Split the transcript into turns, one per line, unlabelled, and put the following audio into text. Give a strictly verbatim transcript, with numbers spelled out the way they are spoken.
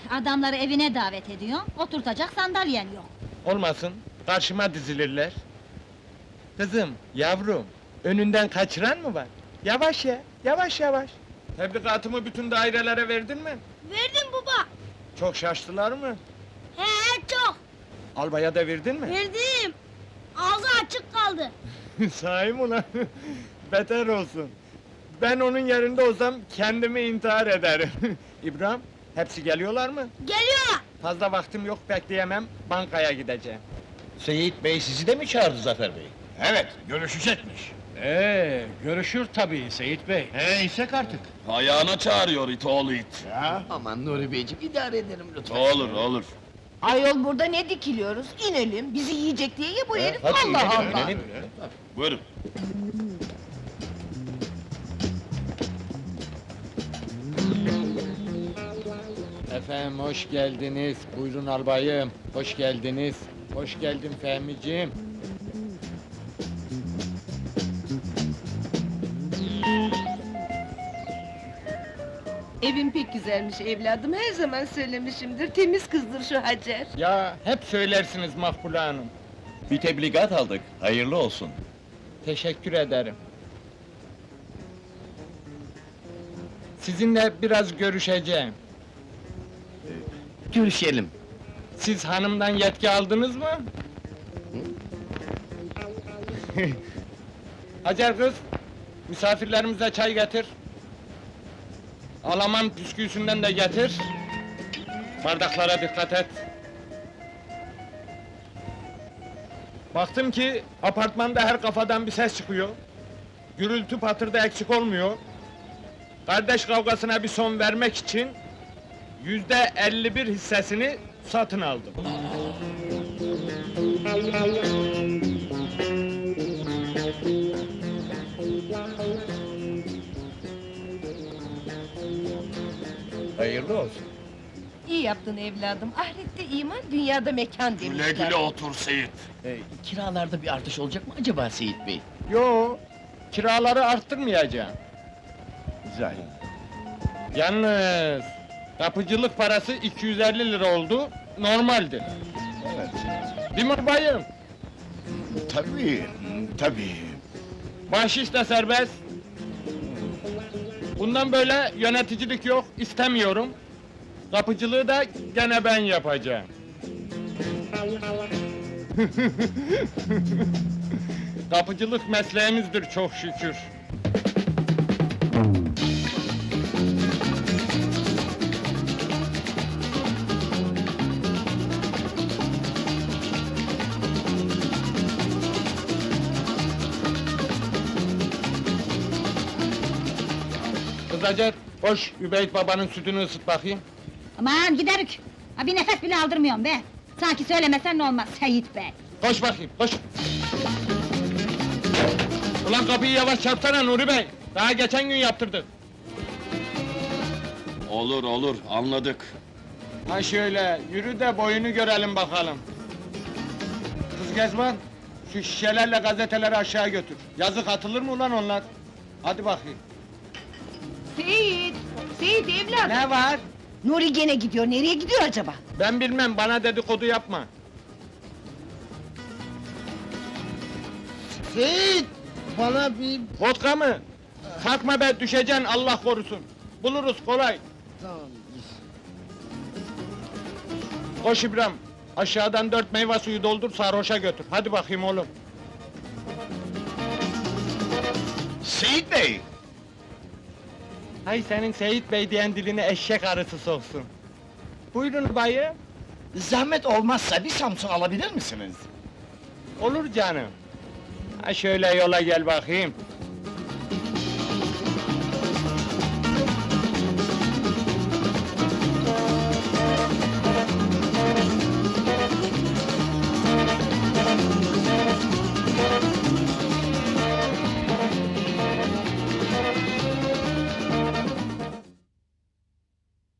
adamları evine davet ediyor, oturtacak sandalyen yok.
Olmasın, karşıma dizilirler. Kızım, yavrum, önünden kaçıran mı var? Yavaş ya, yavaş yavaş. Tebligatımı bütün dairelere verdin mi?
Verdim baba.
Çok şaştılar mı?
He çok.
Albaya da verdin mi?
Verdim. Ağzı açık kaldı.
Sahi mi ulan? Beter olsun. Ben onun yerinde olsam kendimi intihar ederim. İbrahim, hepsi geliyorlar mı?
Geliyor.
Fazla vaktim yok, bekleyemem, bankaya gideceğim.
Seyit Bey sizi de mi çağırdı Zafer Bey?
Evet, görüşecekmiş.
Ee, görüşür tabii Seyit Bey.
He, isek artık.
Ayağına çağırıyor it oğlu it.
Ya,
Aman Nuri Beyciğim idare ederim lütfen.
Olur olur.
Ayol burada ne dikiliyoruz? İnelim, bizi yiyecek diye ya bu herif,
Hadi
Allah
inelim,
Allah!
inelim.
Buyurun.
Efendim, hoş geldiniz. Buyurun albayım, hoş geldiniz. Hoş geldin Fehmiciğim.
Evin pek güzelmiş evladım, her zaman söylemişimdir, temiz kızdır şu Hacer.
Ya, hep söylersiniz Makbule Hanım.
Bir tebligat aldık. Hayırlı olsun.
Teşekkür ederim. Sizinle biraz görüşeceğim.
Görüşelim.
Siz hanımdan yetki aldınız mı? Hacer kız, misafirlerimize çay getir. Alaman püsküsünden de getir. Bardaklara dikkat et. Baktım ki apartmanda her kafadan bir ses çıkıyor. Gürültü patırda eksik olmuyor. Kardeş kavgasına bir son vermek için yüzde elli bir hissesini satın aldım.
Hayırlı olsun.
İyi yaptın evladım, ahirette iman, dünyada mekan demişler.
Güle güle otur Seyit.
Ee, kiralarda bir artış olacak mı acaba Seyit Bey?
Yo, kiraları arttırmayacağım.
Güzel.
Yalnız kapıcılık parası iki yüz elli lira oldu, normaldir.
evet.
Değil mi bayım?
Tabii, tabii.
Bahşiş de serbest. Bundan böyle yöneticilik yok, istemiyorum. Kapıcılığı da gene ben yapacağım. Kapıcılık mesleğimizdir çok şükür. Kız Hacer, koş Übeyt babanın sütünü ısıt bakayım.
Aman giderik! Ha bir nefes bile aldırmıyorum be! Sanki söylemesen ne olmaz Seyit Bey!
Koş bakayım, koş! Ulan kapıyı yavaş çarpsana Nuri Bey! Daha geçen gün yaptırdık.
Olur olur anladık.
Ha şöyle, yürü de boyunu görelim bakalım. Kız Gezman, şu şişelerle gazeteleri aşağı götür. Yazık atılır mı ulan onlar? Hadi bakayım.
Seyit, Seyit evladım!
Ne var?
Nuri gene gidiyor, nereye gidiyor acaba?
Ben bilmem, bana dedikodu yapma.
Seyit! Bana bir...
Vodka mı? Kalkma be, düşeceksin Allah korusun. Buluruz kolay.
Tamam.
Koş İbrahim, aşağıdan dört meyve suyu doldur, sarhoşa götür. Hadi bakayım oğlum.
Seyit Bey!
Hay senin Seyit Bey diyen diline eşek arısı soksun. Buyurun bayım.
Zahmet olmazsa bir Samsun alabilir misiniz?
Olur canım. Ha şöyle yola gel bakayım.